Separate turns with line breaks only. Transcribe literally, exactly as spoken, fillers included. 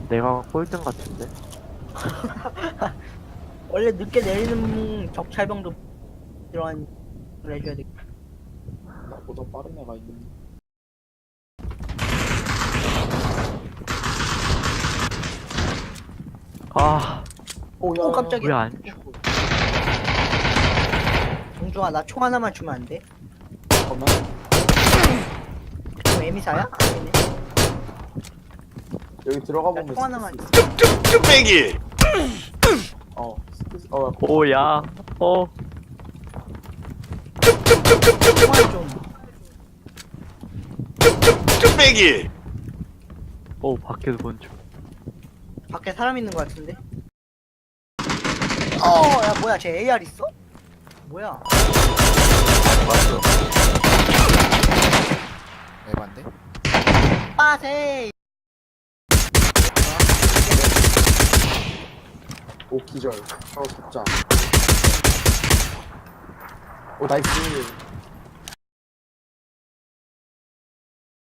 내가 꼴등 같은데?
원래 늦게 내리는 적찰병도 이러한 걸 해줘야 돼.
나보다 빠른 애가 있는데.
아,
오, 야,
오, 깜짝이야.
왜 안 죽어?
정중아, 나 총 하나만 주면 안 돼?
잠깐만.
총 에미사야? 아니네.
여기 들어가
나
보면
총 하나만 줘.
뚝배기
어, 스페이스- 어,
오, 야, 어,
총알 좀.
뚝배기
오, 밖에서 본 중.
밖에 사람 있는 거 같은데? 어, 야, 뭐야, 쟤 에이알 있어? 뭐야?
맞어. 에반데?
빠세!
오, 기절. 어, 잡자. 오, 나이스.